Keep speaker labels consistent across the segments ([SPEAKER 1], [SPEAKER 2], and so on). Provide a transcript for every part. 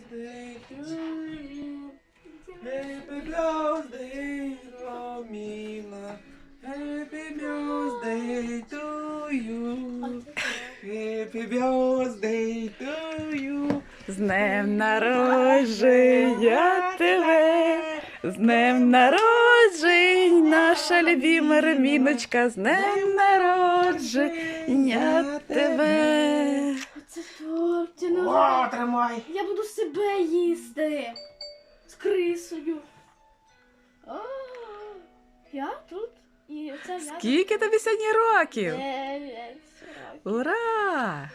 [SPEAKER 1] birthday to you. Happy birthday, Роміна. Happy birthday to you. Happy birthday to you.
[SPEAKER 2] З днем народження тебе, з днем народження, наша любима Роміночка, з днем народження тебе.
[SPEAKER 3] Оце торт,
[SPEAKER 1] О, тримай.
[SPEAKER 3] я буду себе їсти з крисою. О, я тут і це я.
[SPEAKER 2] Скільки тобі сьогодні років?
[SPEAKER 3] 9 років.
[SPEAKER 2] Ура!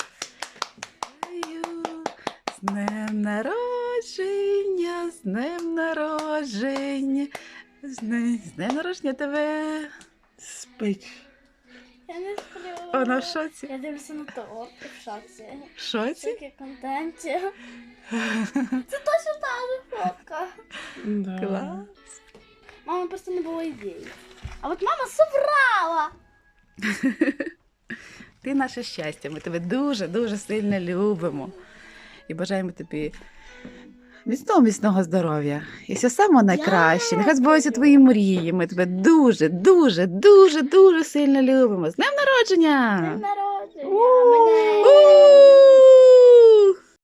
[SPEAKER 2] З днем народження, з днем народження, з днем народження тебе.
[SPEAKER 1] Спить.
[SPEAKER 3] Я не сплю.
[SPEAKER 2] Вона в шоці.
[SPEAKER 3] Я дивлюся на торт і в шоці.
[SPEAKER 2] В шоці?
[SPEAKER 3] Скільки контенті. Це точно та же фотка.
[SPEAKER 1] Да.
[SPEAKER 2] Клас.
[SPEAKER 3] Мама просто не було ідеї. А от мама собрала.
[SPEAKER 2] Ти наше щастя, ми тебе дуже-дуже сильно любимо. І бажаємо тобі міцного здоров'я. І все саме найкраще. Нехай збуваються твої мрії. Ми тебе дуже сильно любимо. З днем народження!
[SPEAKER 3] День народження.
[SPEAKER 2] У!
[SPEAKER 3] Мене.
[SPEAKER 2] У!